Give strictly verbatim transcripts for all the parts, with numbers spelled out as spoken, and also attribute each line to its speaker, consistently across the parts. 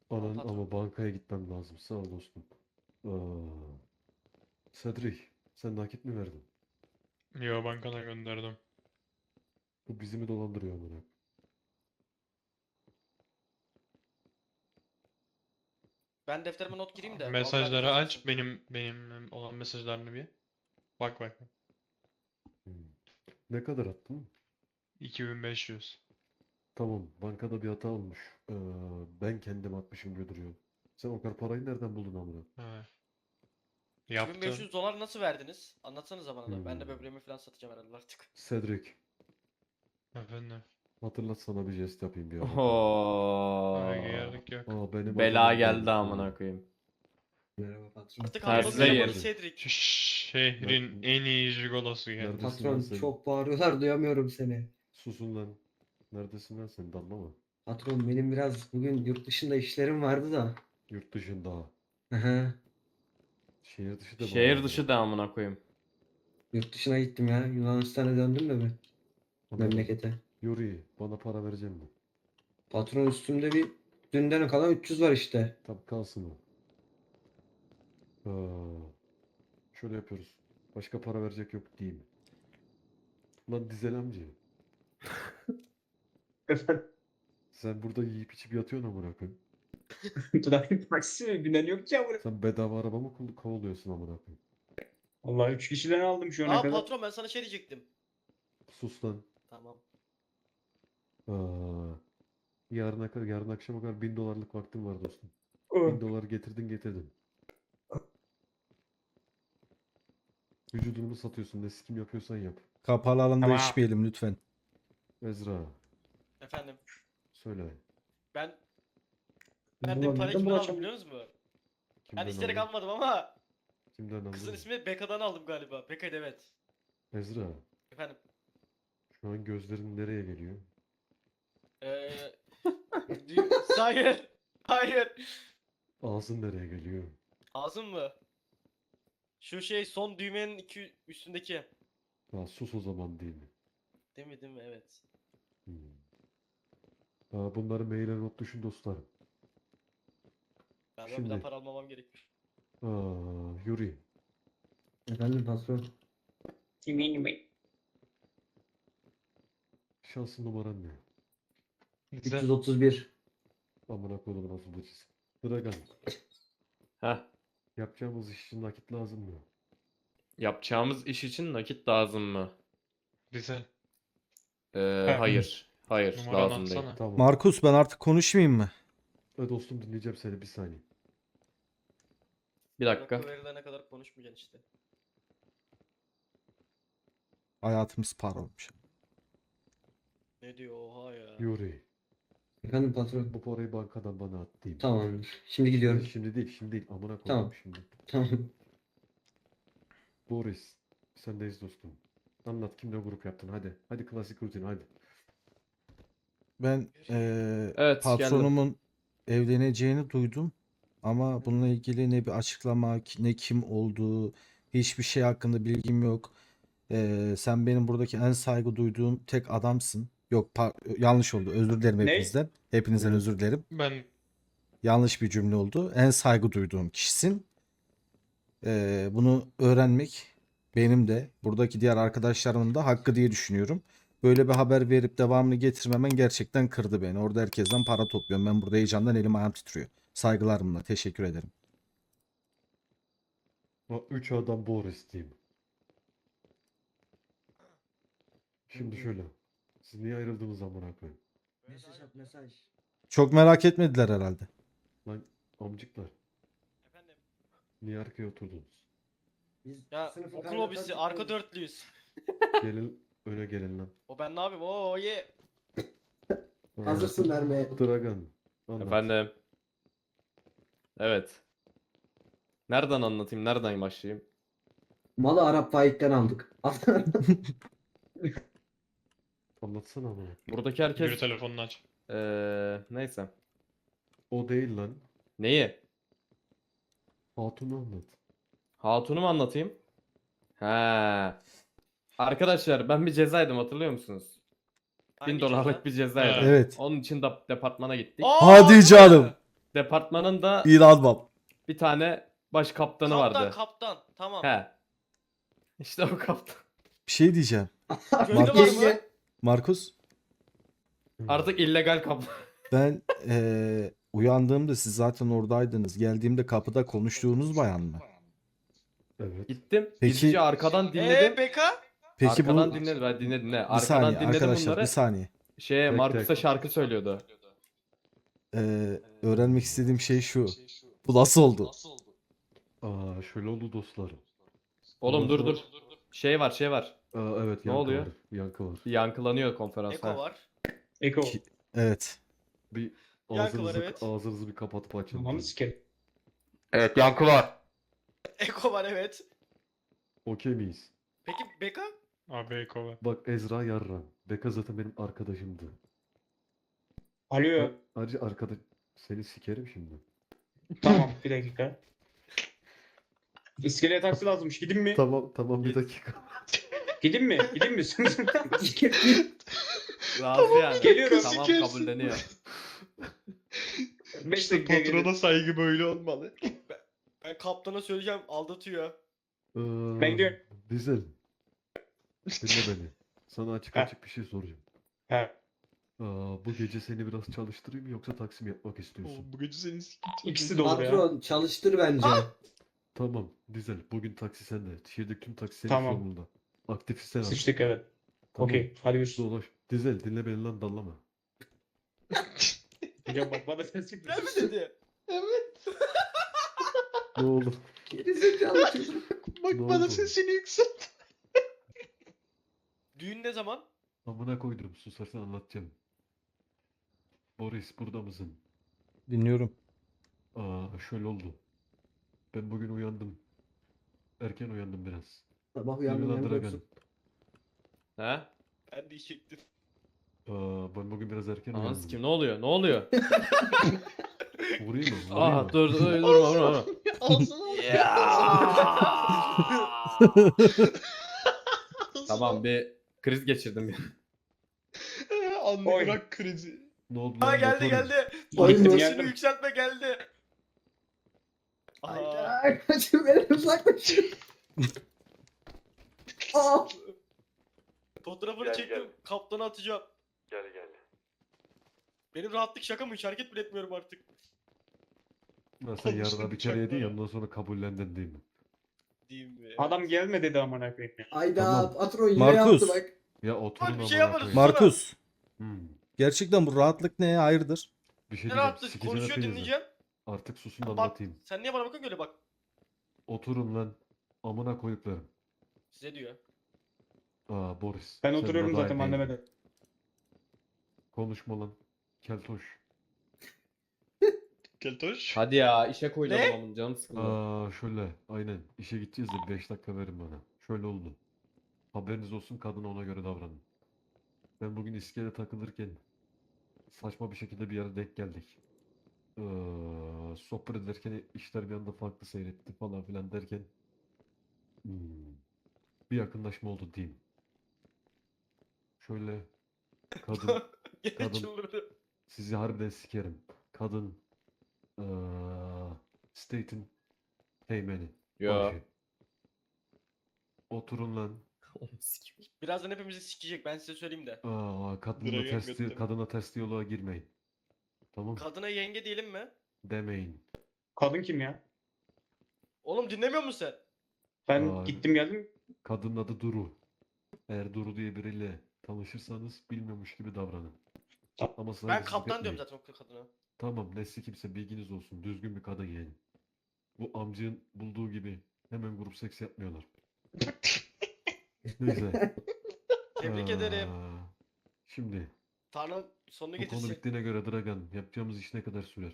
Speaker 1: Anan
Speaker 2: Patron.
Speaker 1: ama bankaya gitmem lazım. Sağ ol dostum. Aa, Cedric, sen nakit mi verdin?
Speaker 3: Yo, bankana gönderdim.
Speaker 1: Bu bizi mi dolandırıyor amına?
Speaker 2: Ben defterime not gireyim de. altı aylık
Speaker 3: Mesajları aç,
Speaker 2: kaçırsın.
Speaker 3: benim benim olan mesajlarını bir. Bak bak.
Speaker 1: Hmm. Ne kadar attın?
Speaker 3: iki bin beş yüz.
Speaker 1: Tamam, bankada bir hata olmuş. Ee, ben kendim atmışım gibi duruyor. Sen o kadar parayı nereden buldun amına?
Speaker 3: Ha.
Speaker 2: iki bin beş
Speaker 3: Yaptım.
Speaker 2: yüz dolar nasıl verdiniz? Anlatsanıza bana da. Ben de
Speaker 1: Hmm.
Speaker 2: böbreğimi falan satacağım herhalde artık.
Speaker 1: Cedric,
Speaker 3: Efendim.
Speaker 1: hatırlat sana bir jest yapayım bir ara.
Speaker 3: Ay,
Speaker 4: Oho.
Speaker 3: gerek yok.
Speaker 1: Aa, benim
Speaker 4: Bela
Speaker 1: adamım
Speaker 4: geldi
Speaker 1: gelmiş.
Speaker 4: amına koyayım.
Speaker 5: Merhaba patron.
Speaker 2: Artık
Speaker 4: Tersize
Speaker 2: Hamburg'un elemanı
Speaker 4: yer.
Speaker 2: Cedric.
Speaker 3: Şu şehrin en iyi jigolosu geldi.
Speaker 1: Neredesin lan
Speaker 5: Patron
Speaker 1: sen?
Speaker 5: çok bağırıyorlar duyamıyorum seni.
Speaker 1: Susun lan. Neredesin lan sen? Dallama.
Speaker 5: Patron benim biraz bugün yurt dışında işlerim vardı da.
Speaker 1: Yurt dışında.
Speaker 5: Aha.
Speaker 1: Şehir dışı da
Speaker 4: Şehir
Speaker 1: bağlı.
Speaker 4: dışı da amına koyayım.
Speaker 5: Yurt dışına gittim ya. Yunanistan'a döndüm de ben
Speaker 1: Anladım.
Speaker 5: memlekete.
Speaker 1: Yuri, bana para verecek mi?
Speaker 5: Patron üstümde bir dünden kalan üç yüz var işte.
Speaker 1: Tabii kalsın o. Aa, şöyle yapıyoruz. Başka para verecek yok değil mi? Lan Dizel amca.
Speaker 6: Efendim,
Speaker 1: Sen burada yiyip içip yatıyorsun amına koyayım.
Speaker 6: trafik taksi binen yok ki amına.
Speaker 1: Sen bedava araba mı kul- kovalıyorsun amına koyayım?
Speaker 6: Vallahi üç kişiden aldım şu ana
Speaker 2: Aa
Speaker 6: kadar.
Speaker 2: patron, ben sana şey diyecektim.
Speaker 1: Sus lan.
Speaker 2: Tamam.
Speaker 1: Aa, yarın, kadar, yarın akşama kadar bin dolarlık vaktim var dostum.
Speaker 6: Oh.
Speaker 1: Bin dolar getirdin getirdin. Vücudunu mu satıyorsun? Ne sikim yapıyorsan yap.
Speaker 7: Kapalı alanda
Speaker 6: Tamam.
Speaker 7: içmeyelim lütfen.
Speaker 1: Ezra,
Speaker 2: Efendim.
Speaker 1: söyle.
Speaker 2: Ben ben de
Speaker 6: Ulan
Speaker 2: parayı
Speaker 6: neden
Speaker 2: kimden aldım
Speaker 6: bulaşam-
Speaker 2: biliyor musun? Ben
Speaker 1: Kimden
Speaker 2: isteyerek
Speaker 1: aldın?
Speaker 2: almadım ama
Speaker 1: Kimden aldın?
Speaker 2: kızın ismi Beka'dan aldım galiba. Beka'ydı, evet.
Speaker 1: Ezra,
Speaker 2: Efendim.
Speaker 1: şu an gözlerin nereye geliyor?
Speaker 2: Eee... dü- Hayır. Hayır.
Speaker 1: Ağzın nereye geliyor?
Speaker 2: Ağzım mı? Şu şey son düğmenin iki üstündeki.
Speaker 1: Ya sus o zaman değil mi?
Speaker 2: Değil mi değil mi? Evet.
Speaker 1: Hmm. Aa, bunları maile not düşün dostlarım.
Speaker 2: Ben bir
Speaker 1: Şimdi-
Speaker 2: daha para almamam gerekmiş.
Speaker 1: Aa, Yuri,
Speaker 5: Efendim patron.
Speaker 1: şansın numaran ne?
Speaker 5: üç yüz otuz bir.
Speaker 1: Amına koyduğum nasıl bıcısı. Dragan,
Speaker 4: Heh.
Speaker 1: yapacağımız iş için nakit lazım mı?
Speaker 4: Yapacağımız iş için nakit lazım mı?
Speaker 3: Bize.
Speaker 4: Ee, hayır. Hayır,
Speaker 3: Numaranı
Speaker 4: lazım değil.
Speaker 3: atsana.
Speaker 1: Tamam.
Speaker 7: Markus, ben artık konuşmayayım mı?
Speaker 1: E dostum dinleyeceğim seni bir saniye.
Speaker 4: Bir dakika.
Speaker 2: Rakı verilene kadar konuşmayacaksın işte.
Speaker 7: Hayatımız para olmuş.
Speaker 2: Ne diyor oha ya.
Speaker 1: Yuri,
Speaker 5: Efendim patron.
Speaker 1: bu parayı bankadan bana at diyeyim.
Speaker 5: Tamamdır. Şimdi gidiyorum.
Speaker 1: Şimdi değil, şimdi değil. Amına koydum
Speaker 5: Tamam.
Speaker 1: şimdi.
Speaker 5: Tamam.
Speaker 1: Boris, sendeyiz dostum. Anlat kimle grup yaptın hadi. Hadi klasik rutin hadi.
Speaker 7: Ben eee,
Speaker 4: Evet,
Speaker 7: patronumun evleneceğini duydum. Ama bununla ilgili ne bir açıklama, ki- ne kim olduğu, hiçbir şey hakkında bilgim yok. Eee, sen benim buradaki en saygı duyduğum tek adamsın. Yok, pa- yanlış oldu. Özür dilerim
Speaker 6: Ne?
Speaker 7: hepinizden. Hepinizden
Speaker 1: Evet.
Speaker 7: özür dilerim.
Speaker 3: Ben
Speaker 7: Yanlış bir cümle oldu. En saygı duyduğum kişisin. Ee, bunu öğrenmek benim de buradaki diğer arkadaşlarımın da hakkı diye düşünüyorum. Böyle bir haber verip devamını getirmemen gerçekten kırdı beni. Orada herkesten para topluyorum. Ben burada heyecandan elim ayağım titriyor. Saygılarımla teşekkür ederim.
Speaker 1: O üç adam Boris diyeyim. Şimdi şöyle. Siz niye ayrıldınız amına koyayım?
Speaker 5: Mesaj at mesaj.
Speaker 7: Çok merak etmediler herhalde.
Speaker 1: Lan amcıklar.
Speaker 2: Efendim.
Speaker 1: Niye arkaya oturdunuz?
Speaker 5: Biz
Speaker 2: Ya
Speaker 5: sınıfı
Speaker 2: okul
Speaker 5: kaynatan
Speaker 2: hobisi
Speaker 5: çok
Speaker 2: arka
Speaker 5: olduk.
Speaker 2: dörtlüyüz.
Speaker 1: Gelin öne gelin lan.
Speaker 2: O ben ne yapayım? Oo ye.
Speaker 1: Aa,
Speaker 5: Hazırsın vermeye.
Speaker 1: Dragan. Anlat.
Speaker 4: Efendim. Evet. Nereden anlatayım? Nereden başlayayım?
Speaker 5: Malı Arap faikten aldık.
Speaker 1: Anlatsana amına.
Speaker 4: Buradaki
Speaker 3: yürü
Speaker 4: herkes
Speaker 3: telefonunu aç.
Speaker 4: Ee, neyse.
Speaker 1: O değil lan.
Speaker 4: Neyi?
Speaker 1: Hatun'u anlat.
Speaker 4: Hatun'u mu anlatayım? He. Arkadaşlar ben bir cezaydım, hatırlıyor musunuz?
Speaker 2: Hangi
Speaker 4: bin dolarlık
Speaker 2: ceza?
Speaker 4: bir cezaydım.
Speaker 7: Evet.
Speaker 4: Onun için de departmana gittik.
Speaker 2: Aa,
Speaker 7: Hadi
Speaker 2: harbi mi?
Speaker 7: canım.
Speaker 4: departmanın da
Speaker 7: İnanmam.
Speaker 4: bir tane baş kaptanı
Speaker 2: Kaptan
Speaker 4: vardı.
Speaker 2: kaptan. Tamam.
Speaker 4: He. İşte o kaptan.
Speaker 7: Bir şey diyeceğim.
Speaker 2: Gönlü
Speaker 7: Markus-
Speaker 2: var mı?
Speaker 7: Markus,
Speaker 4: Artık illegal kaptan.
Speaker 7: ben eee, uyandığımda siz zaten oradaydınız. Geldiğimde kapıda konuştuğunuz bayan mı?
Speaker 1: Evet.
Speaker 4: Gittim.
Speaker 7: Peki-
Speaker 4: Gizlice arkadan
Speaker 2: Eee
Speaker 4: dinledim.
Speaker 2: Beka?
Speaker 7: Peki
Speaker 4: Arkadan
Speaker 7: bu
Speaker 4: dinledim. Ben dinledim ne?
Speaker 7: bir
Speaker 4: Arkadan
Speaker 7: saniye
Speaker 4: dinledim
Speaker 7: arkadaşlar
Speaker 4: bunları.
Speaker 7: bir saniye.
Speaker 4: Şeye
Speaker 1: Tek
Speaker 4: Markus'a
Speaker 1: tek.
Speaker 4: şarkı söylüyordu.
Speaker 7: Eee, öğrenmek istediğim şey şu. Bu nasıl oldu?
Speaker 1: Aa, şöyle oldu dostlar.
Speaker 4: Oğlum
Speaker 1: Ondan
Speaker 4: dur dur.
Speaker 1: sonra-
Speaker 4: Şey var şey var.
Speaker 1: Aa, evet
Speaker 4: Ne
Speaker 1: yankı
Speaker 4: oluyor?
Speaker 1: var. Yankı var.
Speaker 4: Yankılanıyor konferans.
Speaker 2: Eko
Speaker 4: ha.
Speaker 2: var.
Speaker 6: Eko.
Speaker 7: Ki- Evet.
Speaker 1: Bir
Speaker 2: Yankı var,
Speaker 1: ağzınızı,
Speaker 2: evet.
Speaker 1: ağzınızı bir kapatıp açın.
Speaker 6: Ananı sikerim.
Speaker 4: Evet yankı var.
Speaker 2: Eko var evet.
Speaker 1: Okey miyiz?
Speaker 2: Peki Beka?
Speaker 3: Abi Eko var.
Speaker 1: Bak Ezra Yarran. Beka zaten benim arkadaşımdı.
Speaker 6: Alo.
Speaker 1: Ayrıca arkadaş... Seni sikerim şimdi.
Speaker 6: Tamam bir dakika. İskeleye taksi lazımmış. Gidin mi?
Speaker 1: Tamam tamam bir dakika.
Speaker 6: Gidin mi? Gidin mi?
Speaker 4: Razı yani.
Speaker 6: Geliyorum.
Speaker 4: Tamam
Speaker 3: Sikersin.
Speaker 4: kabulleniyor.
Speaker 6: beş
Speaker 3: İşte
Speaker 6: dakikaya
Speaker 3: patrona
Speaker 6: gelin.
Speaker 3: saygı böyle olmalı.
Speaker 2: Ben kaptana söyleyeceğim aldatıyor.
Speaker 1: Ee,
Speaker 6: Ben gidiyorum.
Speaker 1: Dizel. Dinle beni. Sana açık
Speaker 6: Ha.
Speaker 1: açık bir şey soracağım.
Speaker 6: Ha.
Speaker 1: Aa, bu gece seni biraz çalıştırayım mı yoksa taksi mi yapmak istiyorsun?
Speaker 3: Oğlum bu gece seni sikeceğim.
Speaker 6: İkisi de olur ya.
Speaker 5: Patron çalıştır bence.
Speaker 1: Tamam Dizel. Bugün taksi sende. Şehirdeki tüm taksi senin
Speaker 6: Tamam.
Speaker 1: sorumlunda. Aktif sen al.
Speaker 6: Sıçtık evet.
Speaker 1: Tamam.
Speaker 6: Okey. Hadi görüşürüz.
Speaker 1: Dolaş. Dizel dinle beni lan dallama.
Speaker 6: Hocam bak bana ses çıktı.
Speaker 2: Ne mi dedi?
Speaker 1: Ne oldu?
Speaker 5: Gerizekalı çocuk.
Speaker 3: Bak
Speaker 1: Ne
Speaker 3: bana
Speaker 1: oldu?
Speaker 3: sesini yükselt.
Speaker 2: Düğün ne zaman?
Speaker 1: Amına koydum. Susarsan anlatacağım. Boris burada mısın?
Speaker 7: Dinliyorum.
Speaker 1: Aa, şöyle oldu. Ben bugün uyandım. Erken uyandım biraz.
Speaker 5: Sabah
Speaker 1: Yürü
Speaker 5: uyandım
Speaker 1: lan
Speaker 5: hem
Speaker 1: Dragan.
Speaker 5: korksun.
Speaker 4: He?
Speaker 2: Ben diyecektim.
Speaker 1: Aa, ben bugün biraz erken
Speaker 4: Ananı
Speaker 1: uyandım.
Speaker 4: kim ne oluyor? Ne oluyor?
Speaker 1: Vurayım mı? Vurayım
Speaker 4: Aa
Speaker 1: mı?
Speaker 4: dur dur dur durma durma.
Speaker 3: Ağzına
Speaker 4: Tamam bir kriz geçirdim.
Speaker 3: Anne
Speaker 6: Oy.
Speaker 3: bırak krizi.
Speaker 1: Ne oldu
Speaker 2: Ha
Speaker 1: lan
Speaker 2: geldi
Speaker 1: motorum?
Speaker 2: geldi.
Speaker 5: Oy
Speaker 6: Gittim
Speaker 5: mu?
Speaker 6: ya.
Speaker 2: Sesini yükseltme geldi. Aa,
Speaker 5: Hayda. Kaçın beni uzaklaşın. Aa.
Speaker 2: fotoğrafını
Speaker 1: Gel,
Speaker 2: çektim.
Speaker 1: gel.
Speaker 2: Kaptana atacağım.
Speaker 1: Gel gel.
Speaker 2: Benim rahatlık şaka mı? Hiç hareket bile etmiyorum artık.
Speaker 1: Lan sen yarına
Speaker 3: Konuştuk
Speaker 1: bir kere yedin ya
Speaker 3: bıçaklara.
Speaker 1: ondan sonra kabullendin değil mi?
Speaker 2: Diyeyim mi?
Speaker 6: Adam gelme dedi amına koyayım.
Speaker 5: Hayda
Speaker 1: Tamam.
Speaker 5: patron yine
Speaker 7: Markus.
Speaker 5: yaptı bak.
Speaker 1: Ya oturun
Speaker 2: Bak, bir şey
Speaker 1: amına
Speaker 2: yaparız.
Speaker 1: koyayım.
Speaker 7: Markus,
Speaker 1: Hmm.
Speaker 7: gerçekten bu rahatlık neye hayırdır?
Speaker 1: Bir şey
Speaker 2: Ne
Speaker 1: diyeceğim.
Speaker 2: rahatlık
Speaker 1: Sikeceğim
Speaker 2: konuşuyor
Speaker 1: hepinizi.
Speaker 2: dinleyeceğim.
Speaker 1: Artık susun da
Speaker 2: Bak
Speaker 1: anlatayım.
Speaker 2: sen niye bana bakıyorsun öyle bak.
Speaker 1: Oturun lan. Amına koyduklarım.
Speaker 2: Size diyor.
Speaker 1: Aa Boris.
Speaker 6: Ben
Speaker 1: sen
Speaker 6: oturuyorum
Speaker 1: buna
Speaker 6: zaten
Speaker 1: dahil
Speaker 6: anneme
Speaker 1: değildin.
Speaker 6: de.
Speaker 1: Konuşma lan. Keltoş.
Speaker 3: Keltoş.
Speaker 4: Hadi ya işe koyacağım
Speaker 2: Ne?
Speaker 4: adamın canım sıkıldı.
Speaker 1: Aa şöyle. Aynen. İşe gideceğiz de beş dakika verin bana. Şöyle oldu. Haberiniz olsun kadına ona göre davranın. Ben bugün iskele takılırken saçma bir şekilde bir yere denk geldik. Ee, sohbet ederken işler bir anda farklı seyretti falan filan derken hmm, bir yakınlaşma oldu diyeyim. Şöyle kadın
Speaker 2: Gene
Speaker 1: Kadın-
Speaker 2: çıldırdı.
Speaker 1: sizi harbiden sikerim. Kadın ee, State'in teğmeni.
Speaker 4: Yo.
Speaker 1: başı. Oturun lan.
Speaker 2: Birazdan hepimizi sikecek ben size söyleyeyim de.
Speaker 1: Aa, kadınla
Speaker 3: Dragon
Speaker 1: ters,
Speaker 3: götten.
Speaker 1: kadına ters diyaloğa girmeyin. Tamam
Speaker 2: Kadına yenge diyelim mi?
Speaker 1: demeyin.
Speaker 6: Kadın kim ya?
Speaker 2: Oğlum dinlemiyor musun sen?
Speaker 6: Ben
Speaker 1: Aa.
Speaker 6: gittim geldim.
Speaker 1: Kadının adı Duru. Eğer Duru diye biriyle tanışırsanız bilmiyormuş gibi davranın.
Speaker 6: Tamam.
Speaker 1: Ama
Speaker 2: Ben
Speaker 1: saygısızlık
Speaker 2: kaptan diyorum
Speaker 1: etmeyin.
Speaker 2: zaten o kadına.
Speaker 1: Tamam nesli kimse bilginiz olsun. Düzgün bir kadın yani. Bu amcığın bulduğu gibi hemen grup seks yapmıyorlar. Neyse.
Speaker 2: Tebrik ederim.
Speaker 1: Aa, Şimdi
Speaker 2: Tanrım sonunu
Speaker 1: bu konu
Speaker 2: getirsin.
Speaker 1: bittiğine göre Dragan yapacağımız iş ne kadar sürer?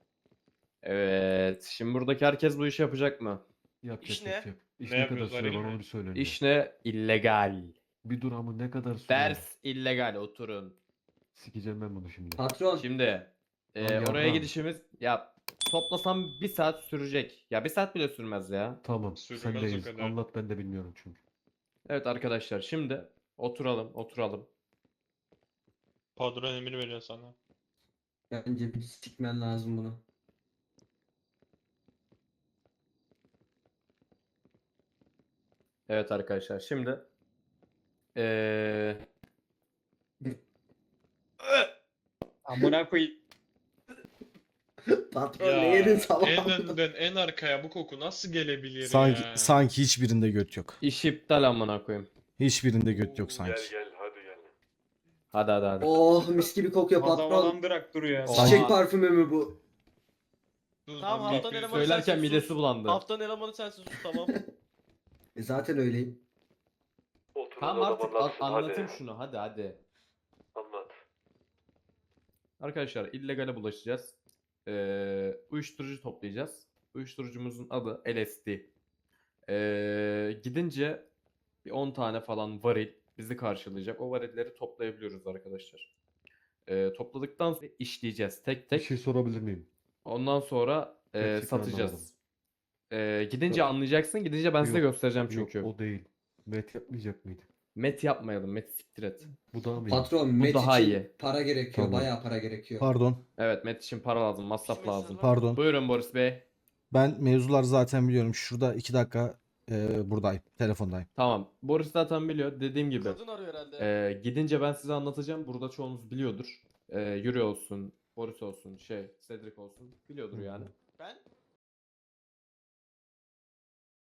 Speaker 4: Evet. Şimdi buradaki herkes bu işi yapacak mı?
Speaker 1: Yapacak
Speaker 2: İş ne?
Speaker 1: yapacak. İş
Speaker 3: Ne
Speaker 1: ne kadar
Speaker 3: yapıyoruz,
Speaker 1: sürer
Speaker 3: Halil
Speaker 1: bana
Speaker 3: mi?
Speaker 1: onu bir söyle önce.
Speaker 4: İş ne? İllegal.
Speaker 1: Bir dur ama ne kadar sürer?
Speaker 4: Ders illegal oturun.
Speaker 1: Sikeceğim ben bunu şimdi.
Speaker 5: Patron.
Speaker 4: Şimdi e,
Speaker 1: Lan
Speaker 4: oraya
Speaker 1: yarram.
Speaker 4: gidişimiz ya toplasam bir saat sürecek. Ya bir saat bile sürmez ya.
Speaker 1: Tamam
Speaker 3: Sürmez o
Speaker 1: sendeyiz.
Speaker 3: kadar.
Speaker 1: Anlat ben de bilmiyorum çünkü.
Speaker 4: Evet arkadaşlar şimdi oturalım oturalım.
Speaker 3: Patron emir veriyor sana.
Speaker 5: Bence bir sikmen lazım bunu.
Speaker 4: Evet arkadaşlar şimdi eee
Speaker 6: Amına koyayım.
Speaker 5: Patron
Speaker 3: Ya
Speaker 5: ne yedin sabah?
Speaker 3: en önden en arkaya bu koku nasıl gelebilir
Speaker 7: Sanki
Speaker 3: ya?
Speaker 7: sanki hiçbirinde göt yok.
Speaker 4: iş iptal amına koyayım.
Speaker 7: Hiçbirinde göt yok
Speaker 1: Gel
Speaker 7: sanki.
Speaker 1: gel hadi gel.
Speaker 4: Hadi hadi hadi.
Speaker 5: Oh mis gibi kokuyor patron.
Speaker 6: Havalandırak duruyor ya.
Speaker 4: Oha.
Speaker 5: Çiçek parfümü mü bu?
Speaker 3: Dur,
Speaker 2: Tamam,
Speaker 3: dur,
Speaker 2: haftanın
Speaker 3: dur.
Speaker 2: elemanı
Speaker 4: Söylerken
Speaker 2: sensin,
Speaker 4: midesi
Speaker 2: sus.
Speaker 4: bulandı.
Speaker 2: Haftanın elemanı sensin sus tamam.
Speaker 5: E zaten öyleyim.
Speaker 1: Oturun
Speaker 4: Tamam
Speaker 1: o
Speaker 4: artık
Speaker 1: zaman
Speaker 4: an-
Speaker 1: lafsın,
Speaker 4: anlatayım
Speaker 1: hadi.
Speaker 4: şunu hadi hadi.
Speaker 1: Anlat.
Speaker 4: Arkadaşlar illegale bulaşacağız. Ee, uyuşturucu toplayacağız. Uyuşturucumuzun adı L S D. Ee, gidince bir on tane falan varil bizi karşılayacak. O varilleri toplayabiliyoruz arkadaşlar. Ee, topladıktan sonra işleyeceğiz tek
Speaker 1: Bir
Speaker 4: tek.
Speaker 1: şey sorabilir miyim?
Speaker 4: Ondan sonra e,
Speaker 1: Gerçekten
Speaker 4: satacağız.
Speaker 1: anlamadım.
Speaker 4: Ee, gidince
Speaker 1: Yok.
Speaker 4: anlayacaksın. Gidince ben size
Speaker 1: Yok,
Speaker 4: göstereceğim
Speaker 1: Yok
Speaker 4: çünkü.
Speaker 1: o değil. Met yapmayacak mıydı?
Speaker 4: Met yapmayalım. Met siktir et.
Speaker 1: Bu daha mı iyi?
Speaker 5: Patron met
Speaker 4: daha
Speaker 5: için
Speaker 4: iyi.
Speaker 5: para gerekiyor.
Speaker 1: Tamam.
Speaker 5: Bayağı para gerekiyor.
Speaker 7: Pardon.
Speaker 4: Evet, Met için para lazım. Masraf lazım.
Speaker 7: Pardon.
Speaker 4: Buyurun Boris Bey.
Speaker 7: Ben mevzular zaten biliyorum. Şurada iki dakika e, buradayım. Telefondayım.
Speaker 4: Tamam. Boris zaten biliyor. Dediğim gibi.
Speaker 2: Kadın arıyor herhalde.
Speaker 4: e, gidince ben size anlatacağım. Burada çoğunuz biliyordur. E, Yuri olsun, Boris olsun, şey, Cedric olsun. Biliyordur
Speaker 1: Hı hı.
Speaker 4: yani.
Speaker 2: Ben?